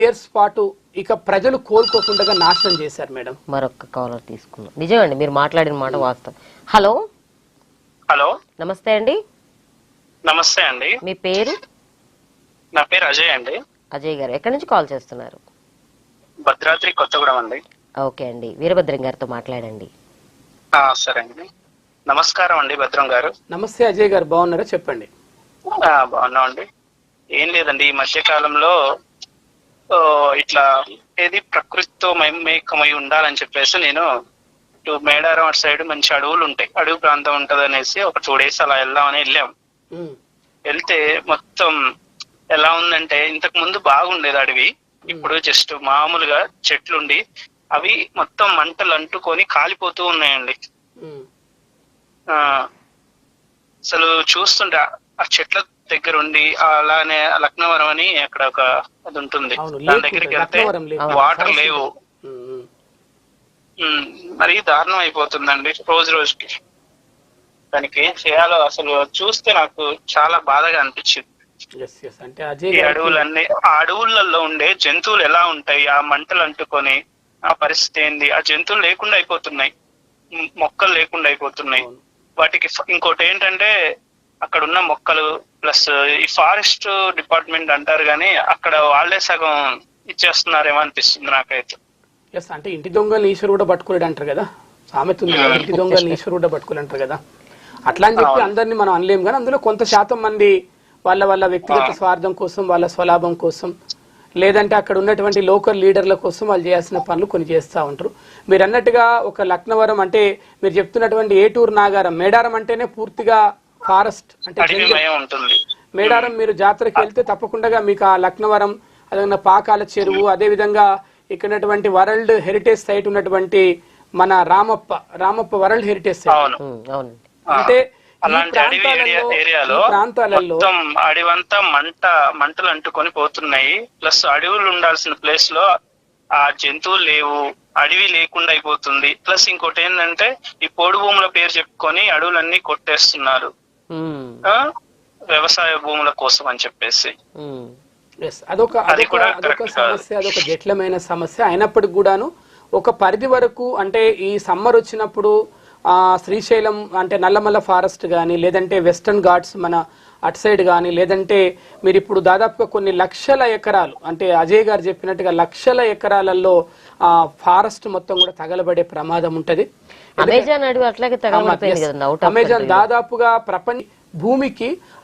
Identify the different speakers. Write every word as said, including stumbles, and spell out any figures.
Speaker 1: Years పాటు ఇక ప్రజలు కోలుకోకుండా నాశనం చేశారు మేడం.
Speaker 2: మరొక కాలర్ తీసుకున్నాం. నిజమండి, మీరు మాట్లాడిన మాట వాస్తవం. హలో
Speaker 3: హలో,
Speaker 2: నమస్తే అండి.
Speaker 3: నమస్తే అండి.
Speaker 2: మీ పేరు?
Speaker 3: నా పేరు అజయ్ అండి.
Speaker 2: అజయ్ గారు ఎక్కడి నుంచి కాల్ చేస్తున్నారు?
Speaker 3: భద్రాద్రి కొత్తగూడెం అండి.
Speaker 2: ఓకే అండి, వీరభద్రం గారితో మాట్లాడండి.
Speaker 3: ఆ, సరే అండి. నమస్కారం అండి భద్రం గారు.
Speaker 1: నమస్తే అజయ్ గారు, బాగున్నారా? చెప్పండి.
Speaker 3: ఆ, బాగున్నాం అండి. ఏం లేదండి, ఈ మధ్య కాలంలో ఓ, ఇట్లా ఏది ప్రకృతితో మమేకమై ఉండాలని చెప్పేసి నేను ఇటు మేడారం అటు సైడ్ మంచి అడవులు ఉంటాయి, అడవి ప్రాంతం ఉంటది అనేసి ఒక టూ డేస్ అలా వెళ్దామని వెళ్ళాం. వెళ్తే మొత్తం ఎలా ఉందంటే ఇంతకు ముందు బాగుండేది అడవి, ఇప్పుడు జస్ట్ మామూలుగా చెట్లుండి అవి మొత్తం మంటలు అంటుకొని కాలిపోతూ ఉన్నాయండి. ఆ అసలు చూస్తుంటే ఆ చెట్ల దగ్గర ఉండి అలానే లక్నవరం అని అక్కడ ఒక అది ఉంటుంది, దాని దగ్గరికి వెళ్తే వాటర్ లేవు. మరి దారుణం అయిపోతుందండి రోజు రోజుకి. దానికి ఏం చేయాలో అసలు చూస్తే నాకు చాలా బాధగా అనిపించింది. ఈ అడవులన్నీ, ఆ అడవులలో ఉండే జంతువులు ఎలా ఉంటాయి, ఆ మంటలు అంటుకొని ఆ పరిస్థితి ఏంది, ఆ జంతువులు లేకుండా అయిపోతున్నాయి, మొక్కలు లేకుండా అయిపోతున్నాయి. వాటికి ఇంకోటి ఏంటంటే అక్కడ ఉన్న మొక్కలు ప్లస్ ఈ ఫారెస్ట్ డిపార్ట్మెంట్ అంటారు కానీ అక్కడ వాళ్ళే సగం ఇచ్చేస్తున్నారేమో అనిపిస్తుంది నాకైతే.
Speaker 1: ఎస్, అంటే ఇంటి దొంగలు ఈశ్వరు కూడా పట్టుకోలేడు అంటారు కదా, సామెత ఉంది, ఇంటి దొంగలు ఈశ్వరు కూడా పట్టుకోలే అంటారు కదా. అట్లా అని చెప్పి అందరినీ మనం అనలేము, కానీ అందులో కొంత శాతం మంది వాళ్ళ వాళ్ళ వ్యక్తిగత స్వార్థం కోసం, వాళ్ళ స్వలాభం కోసం, లేదంటే అక్కడ ఉన్నటువంటి లోకల్ లీడర్ల కోసం వాళ్ళు చేయాల్సిన పనులు కొన్ని చేస్తూ ఉంటారు. మీరు అన్నట్టుగా ఒక లక్నవరం అంటే మీరు చెప్తున్నటువంటి ఏటూరు నాగారం, మేడారం అంటేనే పూర్తిగా ఫారెస్ట్ అంటే మేడారం. మీరు జాతరకి వెళ్తే తప్పకుండా మీకు ఆ లక్నవరం, అదే పాకాల చెరువు, అదే విధంగా ఇక్కడ వరల్డ్ హెరిటేజ్ సైట్ ఉన్నటువంటి మన Ramappa Ramappa world heritage site అంటే
Speaker 3: అలాంటి అడవి ఏరియాలో
Speaker 1: ప్రాంతాలలో
Speaker 3: అడవంతా మంట మంటలు అంటుకొని పోతున్నాయి. ప్లస్ అడవులు ఉండాల్సిన ప్లేస్ లో ఆ జంతువులు లేవు, అడవి లేకుండా అయిపోతుంది. ప్లస్ ఇంకోటి ఏంటంటే ఈ పోడు భూముల పేరు చెప్పుకొని అడవులన్నీ కొట్టేస్తున్నారు వ్యవసాయ భూముల కోసం అని చెప్పేసి.
Speaker 1: అదొక అదొక సమస్య, అదొక జటిలమైన సమస్య. అయినప్పటికి కూడాను ఒక పరిధి వరకు అంటే ఈ సమ్మర్ వచ్చినప్పుడు ఆ శ్రీశైలం అంటే నల్లమల్ల ఫారెస్ట్ కానీ, లేదంటే వెస్టర్న్ ఘాట్స్ మన అటు సైడ్ కానీ, లేదంటే మీరు ఇప్పుడు దాదాపుగా కొన్ని లక్షల ఎకరాలు అంటే అజయ్ గారు చెప్పినట్టుగా లక్షల ఎకరాలలో ఆ ఫారెస్ట్ మొత్తం కూడా తగలబడే ప్రమాదం ఉంటది.
Speaker 2: అమెజాన్ అడవి అట్లాగే తగలబడిపోయింది కదా.
Speaker 1: అమెజాన్ దాదాపుగా ప్రపంచ భూమికి